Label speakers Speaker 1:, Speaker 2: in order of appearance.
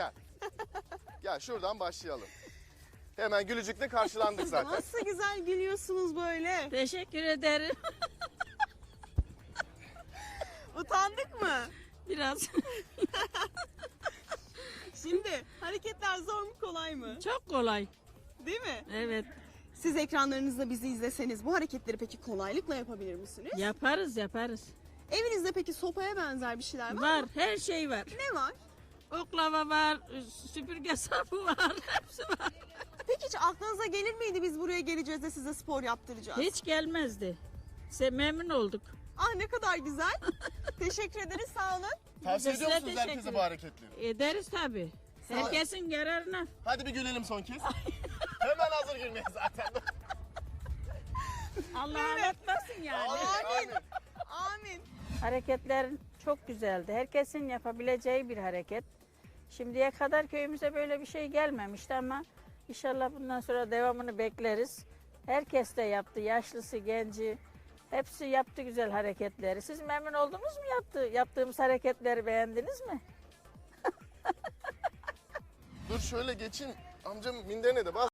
Speaker 1: Gel. Gel şuradan başlayalım. Hemen gülücükle karşılandık zaten.
Speaker 2: Nasıl güzel gülüyorsunuz böyle.
Speaker 3: Teşekkür ederim.
Speaker 2: Utandık mı?
Speaker 3: Biraz.
Speaker 2: Şimdi hareketler zor mu kolay mı?
Speaker 3: Çok kolay.
Speaker 2: Değil mi?
Speaker 3: Evet.
Speaker 2: Siz ekranlarınızda bizi izleseniz bu hareketleri peki kolaylıkla yapabilir misiniz?
Speaker 3: Yaparız yaparız.
Speaker 2: Evinizde peki sopaya benzer bir şeyler var
Speaker 3: Var.
Speaker 2: mı?
Speaker 3: Her şey var.
Speaker 2: Ne var?
Speaker 3: Oklava var. Süpürge sapı var. Hepsi var.
Speaker 2: Peki hiç aklınıza gelir miydi biz buraya geleceğiz de size spor yaptıracağız?
Speaker 3: Hiç gelmezdi. Memnun olduk.
Speaker 2: Ah ne kadar güzel. Teşekkür ederiz, sağ olun.
Speaker 1: Tavsiye
Speaker 3: Size
Speaker 1: ediyor musunuz
Speaker 3: teşekkür
Speaker 1: herkese
Speaker 3: ederim.
Speaker 1: bu hareketleri?
Speaker 3: Ederiz tabii. Herkesin yararına.
Speaker 1: Hadi bir gülelim son kez. Hemen hazır gülmeye zaten.
Speaker 3: Allah anlatmasın yani.
Speaker 2: Amin. Amin.
Speaker 3: Hareketler çok güzeldi. Herkesin yapabileceği bir hareket. Şimdiye kadar köyümüze böyle bir şey gelmemişti ama inşallah bundan sonra devamını bekleriz. Herkes de yaptı. Yaşlısı, genci. Hepsi yaptı güzel hareketleri. Siz memnun oldunuz mu yaptığımız hareketleri beğendiniz mi?
Speaker 1: Dur şöyle geçin. Amcam minderine de bas.